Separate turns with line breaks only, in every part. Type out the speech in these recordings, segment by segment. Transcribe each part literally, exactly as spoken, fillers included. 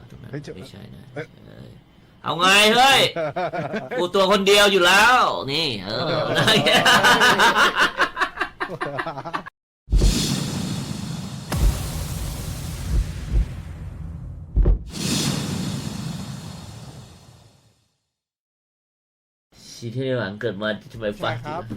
ตรงนั้น
เฮ้ยจะ
ไม่ใช่นะ
เอ้ย
เออเอาไงเฮ้ย กูตัวคนเดียวอยู่แล้ว นี่ เอออะไรเงี้ยชีที่ในหวังเกิดมาทำไมฟั
ใช่
น
ครับ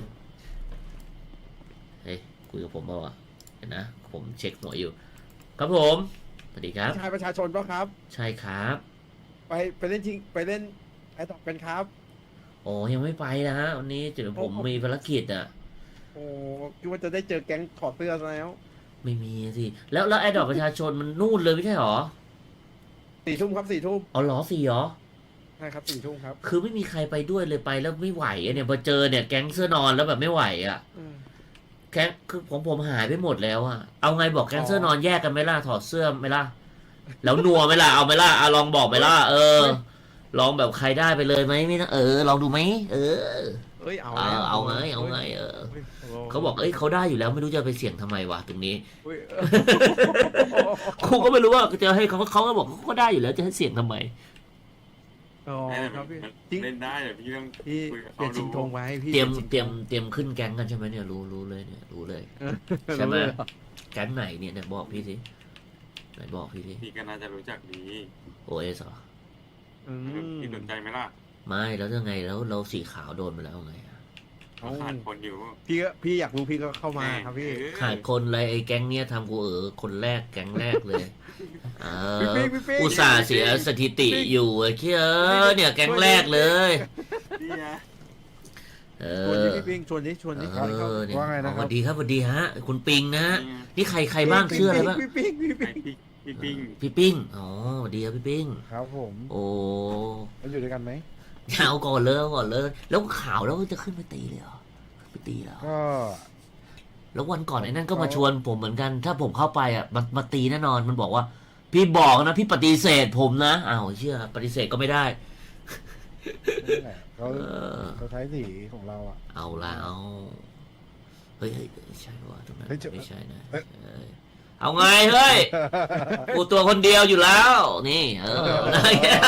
เฮ้ยคุยกับผมเปล่าวะเห็นนะ ผมเช็คหัวอยู่ ครับผมสวัสดีครับ
ชายประชาชนป่ะครับ
ใช่ครับ
ไปไปเล่นจริงไปเล่นไอ้ตอกกันครับ
โอ้ยังไม่ไปนะฮะวันนี้เดี๋ยวผม
โอ้
มีภารกิจอ่ะ
โอ้คิดว่าจะได้เจอแก๊งถอดเสื้อแล้ว
ไม่มีสิ แล้วแล้วไอ้ดอกประชาชนมันนู่นเลยไม่ใช่หรอ
สี่ทุ่มครับสี่ทุ่ม
เอาเหรอสี่หรอ
ใช่ครับสี่ทุ่มครับ
คือไม่มีใครไปด้วยเลยไปแล้วไม่ไหวอะเนี่ยพอเจอเนี่ยแก๊งเสื้อนอนแล้วแบบไม่ไหวอ่ะ
อืม
แก๊งคือผมผมหายไปหมดแล้วอ่ะ เอาไงบอกแก๊งเสื้อนอนแยกกันไหมล่ะถอดเสื้อไหมล่ะ แล้วนัวไหมล่ะเอาไหมล่ะเอาลองบอกไหมล่ะเออ ลองแบบใครได้ไปเลยไหมไม่นะเออลองดูไหมเออ
เอ้ยเอา
เอา
แล้ว
เอาไงเอาไงเออ
ฮ้ยโ
เขาบอกเอ้ยเขาได้อยู่แล้วไม่รู้จะไปเสี่ยงทำไมวะตรงนี้
เฮ้ย
ครูก็ไม่รู้ว่าจะให้เขาเขาก็บอกเขาก็ได้อยู่แล้วจะให้เสี่ยงทำไม
อ๋อครับพี่
มัน
จริง
เล่นได้แต่พี่ต้อง
พี่
คุยกับ
เปลี่
เขา
ยนชิงธง
ดู
ไว้พี่
เตรียม
ปลี่น
เตรียม
ชิงธง
เตรียมขึ้นแก๊งกันใช่ไหมเนี่ยรู้รู้เลยเนี่ยรู้เลย
เออ
ใช่ไหม
รู้เลยเหรอ
แก๊งไหนเนี่ยเนี่ยบอกพี่สิไหนบอกพี่สิ
พี่ก็น่าจะรู้จักดี
โอเอสเหรอ
อืม
พี่สนใจไหมล่ะ
ไม่แล้วยังไงแล้วเราสีขาวโดนไปแล้วไงอะ
เอา
ขาดคนอยู่
พี่ก็พี่อยากรู้พี่ก็เข้ามาครับพี่
เออ
ขาดคนอะไรไอ้แก๊งเนี้ยทำกูเออคนแรกแก๊งแรกเลยเอ
พี่
อ
ปิ๊งพี่ปิ๊ง
อุตส่าห์เสียสถิติอยู่ไอ้เคียเออเนี่ยแก๊งแรกเลย
นี่นะ
เอ
ชวน
อ
ดิพี่ปิ๊งชวนดิชวนดิ
เออเนี่ย
ว่าไงนะ
ส
ครั
วั
บ
สดีครับสวัสดีฮะ คุณปิงนะฮะ
นี่ไง
นี่ใครใครบ้างชื่ออะไรบ้าง
พี่ปิ๊งพี่
ไอ้
ปิ๊ง
พี่พี่ปิ้ง
พี่ปิ้งอ๋อสวัสดีครับพี่ปิ้ง
ครับผม
โอ้
เราอยู่ด้วยกันไหม
เอาก่อนเลยเอาก่อนเลย แล้วข่าวแล้วจะขึ้นไปตีเลยเหรอไปตีแล้ว
ก็
แล้ววันก่อนไอ้นั่นก็มาชวนผมเหมือนกัน ถ้าผมเข้าไปอ่ะมามาตีแน่นอนมันบอกว่า พี่บอกนะพี่ปฏิเสธผมนะอ้าวเชื่อปฏิเสธก็ไม่ได้
นั่นแหละเขา
เออ
เขาใช้สีของเราอ่ะ
เอาละเอาเฮ้ยเฮ้ยใช่ว่าตรงนั้น
เฮ้ยจะ
ไม่ใช่นะ
เอ้ย
เอ้ยเอาไงเฮ้ยกูตัวคนเดียวอยู่แล้ว นี่เอออะไรเงี้ย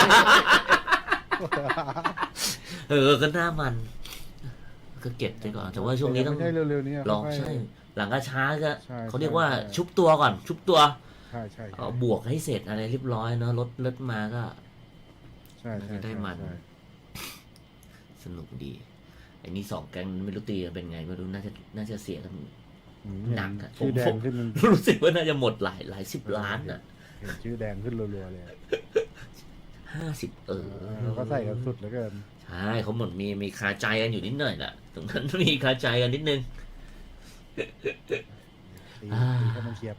เออก็หน้ามัน ก็เก็บไปก่อนแต่ว่าช่วงนี้ต้อง
ไม่ใช่เร็วๆนี้
ลอง
ค่ยๆ
ใช่ หลังกระช้าก็
ใช่
เขาเรียกว่า
ใช่
ชุบตัวก่อน ชุบตัว
ใช่ใช่ใช่
เอาบวกให้เสร็จอะไรเรียบร้อยเนอะรถรถมาก็
ใช่ใช่
ได้มัน
ใช่
สนุกดีไอ้นี่สองแก๊งไม่รู้ตีกันเป็นไงไม่รู้น่าจะน่าจะเสียกัน
อืม
หนักอะ
ชื่อแด
ผ
ง
ม
ขึ้น
รู้สึกว่าน่าจะหมดหลายหลายสิบล้านอ่ะ
เห็นชื่อแดงขึ้นรัวๆเลย
ห้าสิบเออ
เราก็ใส่กันสุดเหลือเกิน
ใช่เขาหมดมีมีคาใจกันอยู่นิดหน่อยแหละตรงนั้น มีคาใจกันนิดนึง
ตี
อ่า
ตีให้มันเคลียร์ไป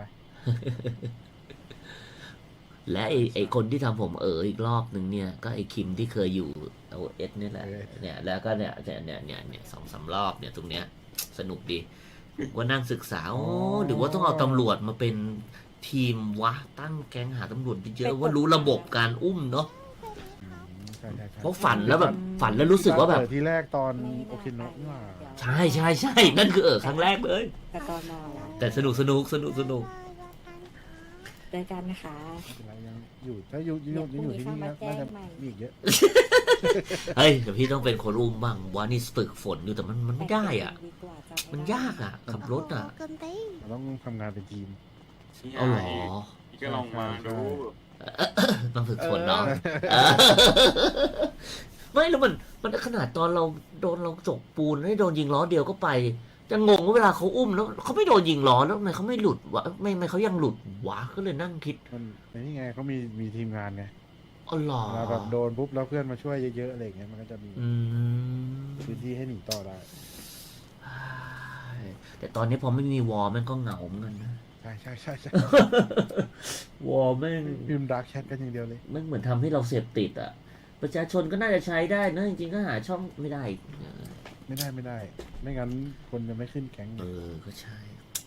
และไอไอคนที่ทำผมเอออีกรอบหนึ่งเนี่ย ก็ไอคิมที่เคยอยู่เอาเอสนี่แหละเนี่ยแล้วก็เนี่ยเนี่ยเนี่ยเนี่ยเนี่ยสองสามรอบเนี่ยตรงเนี้ย สนุกดีผมก็นั่งศึกษาโอ้หรือว่าต้องเอาตำรวจมาเป็นทีมวะตั้งแก๊งหาตำรวจเยอะๆว่ารู้ระบบการอุ้มเนาะ
อืมใช่ใช่ใช่
เพราะฝันแล้วแบบฝันแล้วรู้สึกว่าแบบ
เปิดที่แรกตอนโอเคโนะนี่หว่า
ใช่ใช่ใช่นั่นคือเออครั้งแรกเลย
แต่ตอนนอนแล้ว
แต่สนุกสนุกสนุกสนุก
เจอกันนะคะ
ไม่เป็นไรยังอยู่ถ้าอยู่อยู่อยู่อยู่ที่นี่นะน่าจะมีอีกเยอะ
เฮ้ยเดี๋ยวพี่ต้องเป็นคนอุ้มบ้างว่านี่ฝึกฝนอยู่แต่มันมันไม่ได้อ่ะ มันยากอ่ะขับรถอ่ะ
เราต้องทำงานเป็นทีม
นี่
เอาเหรอ
พี่ก็ลองมาดู
ต้องฝึกฝนเนาะเออไม่แล้วมันมันขนาดตอนเราโดนเราจกปูนให้โดนยิงล้อเดียวก็ไป จะงงว่าเวลาเขาอุ้มแล้วเขาไม่โดนยิงล้อแล้วทำไมเขาไม่หลุดวะไม่ไม่เขายังหลุดวะก็เลยนั่งคิด
มันนี่ไงเขามีมีทีมงานไง
อ๋อเหรอ
เวลาแบบโดนปุ๊บแล้วเพื่อนมาช่วยเยอะๆอะไรอย่างเงี้ยมันก็จะมี
อืม
พื้นที่ให้หนีต่อได้
แต่ตอนนี้พอไม่มีวอลแม่งก็เหงาเหมือนกันนะ
ใช่ใช่ใช่ใช่
วอลแม่ง
พิมพ์ดักแชทกันอย่างเดียวเลย
แม่งเหมือนทำให้เราเสพติดอ่ะ ประชาชนก็น่าจะใช้ได้นะจริงๆก็หาช่องไม่ได้อีก
ไม่ได้ไม่ได้ ไม่งั้นคนจะไม่ขึ้นแก๊ง
เออก็ใช่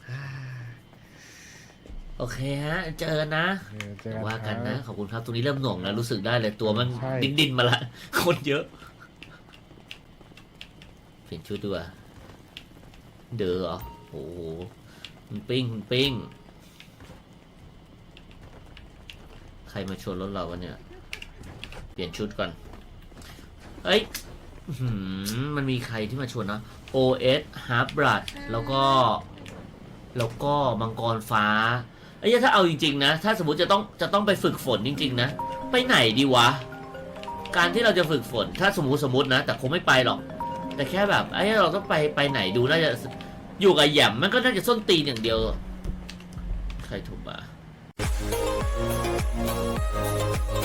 โอเคฮะ เจอกันนะ
เออเจอ
ว่า
กั
กัน น
ค
นะ
รับ
ขอบคุณครับ ตรงนี้เริ่มหน่วงแล้วรู้สึกได้เลยตัวมัน
ใช่
ดิ้นดิ้นๆมาละ คนเยอะ เปลี่ยนชุดด้วยเดอเหรอโอ้โหมันปิ้งมันปิ้งใครมาชวนรถเราวะเนี่ย เปลี่ยนชุดก่อน เอ้ยอื้อหือมันมีใครที่มาชวนนะ โอ เอส Half Blood แล้วก็ แล้วก็มังกรฟ้าไอ้ยถ้าเอาจริงๆนะ ถ้าสมมติจะต้องจะต้องไปฝึกฝนจริงๆนะ ไปไหนดีวะ การที่เราจะฝึกฝน ถ้าสมมติสมมตินะ แต่คงไม่ไปหรอก แต่แค่แบบไอ้ยเราต้องไปไปไหนดูน่าจะอยู่กับแหย่มมันก็น่าจะส้นตีนอย่างเดียว ใครถูกปะ